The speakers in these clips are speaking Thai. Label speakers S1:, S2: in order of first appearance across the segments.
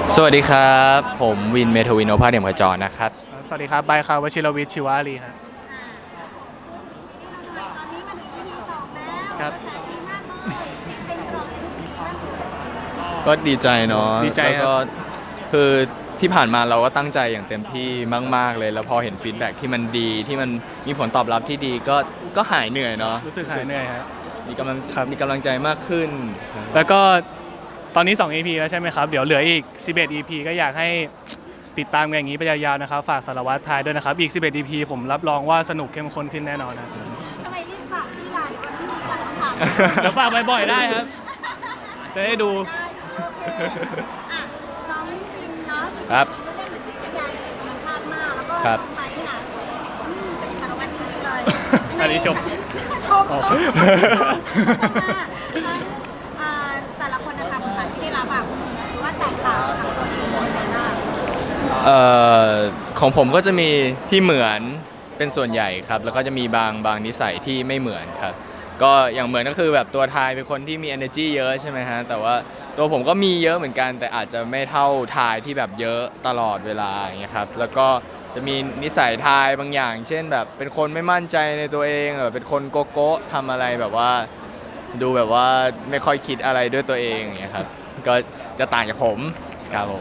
S1: สวัสดีครับผมวินเมทวินโอภาสเดี่ยมขจรนะครับ
S2: สวัสดีครับไบค์ครับวชิรวิทย์ชิวารีครับ
S3: ตอนนี้มาถึง EP 2แล้ว
S2: ครับ
S3: กระแสดีมากเลยเป็นกรองล่าสุด
S1: ก็ดีใจเนาะ
S2: ดีใจครับ
S1: แล้วก็คือที่ผ่านมาเราก็ตั้งใจอย่างเต็มที่มากๆเลยแล้วพอเห็นฟีดแบ็กที่มันดีที่มันมีผลตอบรับที่ดีก็หายเหนื่อยเนาะ
S2: รู้สึกหายเหนื่อยครับ
S1: มีกำลัง
S2: ครับ
S1: มีกำลังใจมากขึ้น
S2: แล้วก็ตอนนี้2 EP แล้วใช่ไหมครับเดี๋ยวเหลืออีก11 EP ก็อยากให้ติดตามกันอย่างนี้ไปยาวๆนะครับฝากสารวัตรทายด้วยนะครับอีก11 EP ผมรับรองว่าสนุกเข้มข้นขึ้นแน่นอนนะ
S3: ทำไมรีบฝากพี่ลาเดี๋ยววันนี้มีการคำถาม
S2: เดี๋ยวฝากบ่อยๆได้ครับจะได้ดู
S3: ได้โอเคอ่ะน้องวินเนาะมี
S1: ครับ
S3: เล่นเหมือนพี่ยายธรรมชาติมากแล้วก็
S1: ครับ
S3: น้องไบค์เนี่ยเป็นสารวัตรจริงๆเลย
S2: อันนี้ชม
S3: ชมแต่ละคนนะคะบทบาทที่ได้รับแบบหรือว่าแตกต่างกับตัวที่คุณใจมาก
S1: เอ่อของผมก็จะมีที่เหมือนเป็นส่วนใหญ่ครับแล้วก็จะมีบางนิสัยที่ไม่เหมือนครับก็อย่างเหมือนก็คือแบบตัวทายเป็นคนที่มี energy เยอะใช่ไหมฮะแต่ว่าตัวผมก็มีเยอะเหมือนกันแต่อาจจะไม่เท่าทายที่แบบเยอะตลอดเวลาอย่างเงี้ยครับแล้วก็จะมีนิสัยทายบางอย่าง เช่นแบบเป็นคนไม่มั่นใจในตัวเองเป็นคนโกโก้ทำอะไรแบบว่าดูแบบว่าไม่ค่อยคิดอะไรด้วยตัวเองอย่างเงี้ยครับก็จะต่างจากผมครับผม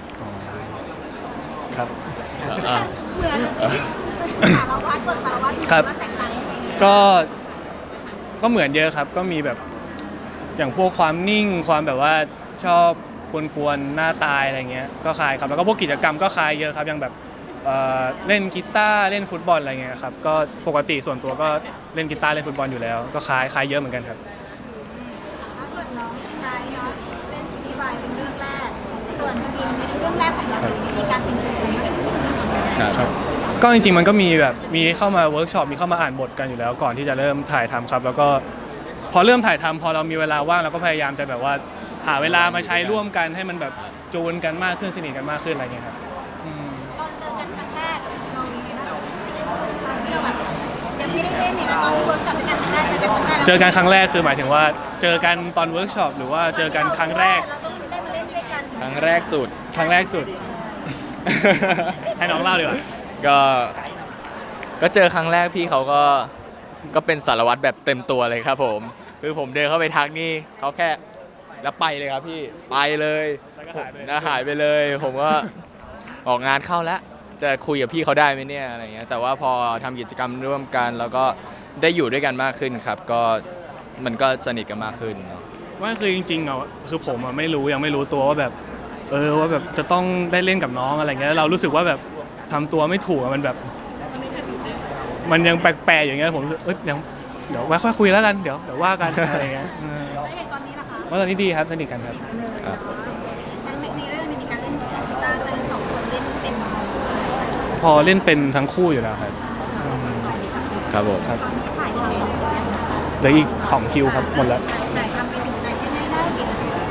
S2: ครับ
S1: อ่ะ
S3: เหมือนสารวัตรบทสารวัตร
S2: ครับ
S3: ว่าแตกต่างยังไง
S2: ก็เหมือนเยอะครับก็มีแบบอย่างพวกความนิ่งความแบบว่าชอบกวนๆหน้าตายอะไรเงี้ยก็คล้ายครับแล้วก็พวกกิจกรรมก็คล้ายเยอะครับอย่างแบบเล่นกีตาร์เล่นฟุตบอลอะไรเงี้ยครับก็ปกติส่วนตัวก็เล่นกีตาร์เล่นฟุตบอลอยู่แล้วก็คล้ายเยอะเหมือนกันครับ
S3: แล้วส่วนน้องไบรท์เนาะเล่นซีรีส์วายเป็นเรื่องแรกส่วนวินเป็นเรื่องแรกของเราเลยมีการเปลี่ยนแปลงอะไรบ้าง
S1: ครับ
S2: ก็จริงๆมันก็มีแบบมีเข้ามาเวิร์กช็อปมีเข้ามาอ่านบทกันอยู่แล้วก่อนที่จะเริ่มถ่ายทำครับแล้วก็พอเริ่มถ่ายทำพอเรามีเวลาว่างเราก็พยายามจะแบบว่าหาเวลามาใช้ร่วมกันให้มันแบบจูนกันมากขึ้นสนิทกันมากขึ้นอะไรเงี้ยครับ
S3: ตอนเจอกันครั้งแรกเรามีนะตอนที่เราแบบยังไม่ได้เล่นเนี่ยนะตอนที่เวิร์กช็อปด้วยกันครั้งแรกเจอกันครั้งแรก
S2: เจอกันครั้งแรกคือหมายถึงว่าเจอกันตอนเวิร์กช็อปหรือว่าเจอกันครั้งแรก
S3: เราต้องได้มาเล่นด้วยกัน
S1: ครั้งแรกสุด
S2: ครั้งแรกสุด ให้น้องเล่าดีกว่า
S1: ก็ก็เจอครั้งแรกพี่เขาก็เป็นสารวัตรแบบเต็มตัวเลยครับผมคือผมเดินเข้าไปทักนี่เขาแค่แล้วไปเลยครับพี่ไปเลย
S2: แล้วก็หายไป
S1: แล้วหายไปเลย ผมก็ออกงานเข้าแล้วจะคุยกับพี่เขาได้ไหมเนี่ยอะไรเงี้ยแต่ว่าพอทำกิจกรรมร่วมกันแล้วก็ได้อยู่ด้วยกันมากขึ้นครับก็มันก็สนิทกันมากขึ้นเนาะ
S2: ว่าคือจริงๆอ่ะคือผมอ่ะไม่รู้ยังไม่รู้ตัวว่าแบบว่าแบบจะต้องได้เล่นกับน้องอะไรเงี้ยแล้วเรารู้สึกว่าแบบทำตัวไม่ถูกอะมันแบบ มันยังแปลกๆอย่างเงี้ยผมรู้สึกเดี๋ยวไว้ค่อยคุยแล้วกันเดี๋ยวว่ากันอะไรเงี้ย
S3: แล้วอย่างตอนนี้ล่ะคะ
S2: ว่าตอนนี้ดีครับสนิทกันครับ
S1: ครับ
S3: ในเรื่องนี้มีการเล่นกีตาร์ด้วยทั้งสองคนเล่นเป็น
S2: พอเล่นเป็นทั้งคู่อยู่แล้วครับ
S1: ครับผม
S2: ครับ
S3: ตอนถ่ายทำ
S2: เหลืออีก2 คิวครับหมดแล้ว
S3: ถ่ายทำไปถึงไหนยังไงได้กี่เปอร์เซ็นต์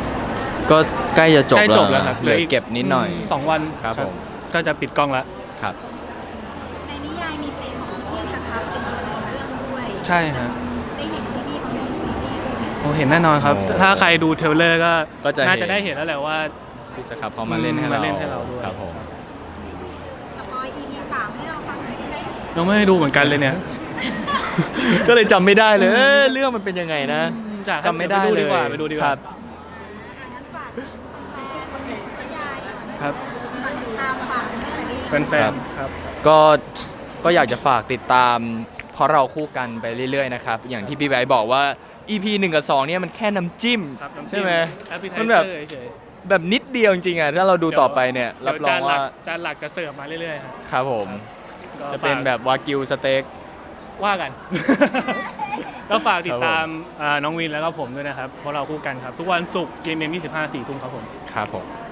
S1: ก็ใกล้จะจบ
S2: ใกล้จบแล้ว
S1: แล้ว
S2: ครับ
S1: เหลือเก็บนิดหน่อย
S2: 2 วัน
S1: ครับผม
S2: ก็จะปิดกล้องแล้ว
S1: ครับ
S3: ในนิยายมีเพลงของพี่สครับเป็นตัวในเรื่องด้วย
S2: ใช่ฮะ
S3: ได้เห็นพี่เขาในซีรีส์ด้วย
S2: โอ้เห็นแน่นอนครับ
S1: โอ้
S2: ถ้าใครดูเทรลเลอร์ก็
S1: ก็จะเห็น
S2: น่าจะได้เห็นแล้วแหละว่า
S1: พี่สครับเขามาเล่นให้เรา
S2: มาเล่นให้เราด้วย
S1: ครับผม
S3: สปอย EP 3ให้เราฟังหน่อยได้ไหม
S2: เราไม่ได้ดูเหมือนกันเลยเนี่ย
S1: ก็เลยจำไม่ได้เลยเรื่องมันเป็นยังไงนะ จำไม่ได้
S2: ไปดู
S1: เลย
S2: ดีกว่าไปดูดีกว่า
S1: ครับ
S3: งั้นฝากแฟนนิยาย
S2: ครับ
S3: ฝากติดตามฝากเรื่องนี้
S2: แฟนๆครับ
S1: ก็อยากจะฝากติดตามเพราะเราคู่กันไปเรื่อยๆนะครับอย่างที่พี่ไบร์ทบอกว่า EP 1 กับ 2เนี่ยมันแค่น้ำจิ้ม
S2: ครับน้ำจิ้ม
S1: ใช่ไหม
S2: appetizer
S1: มันแบบ
S2: เฉย
S1: แบบนิดเดียวจริงๆอ่ะถ้าเราดูต่อไปเนี่ย
S2: ๆ
S1: รับรองว่า
S2: จานหลักจะเสิร์ฟมาเรื่อยๆครับ
S1: ครับผม
S2: ก็
S1: จะเป็นแบบวากิวสเต็ก
S2: ว่ากัน ก็ฝากติดตามน้องวินแล้วก็ผมด้วยนะครับเพราะเราคู่กันครับ ทุกวันศุกร์ GMM 25 4 ทุ่มครับผม
S1: ครับผม
S3: โ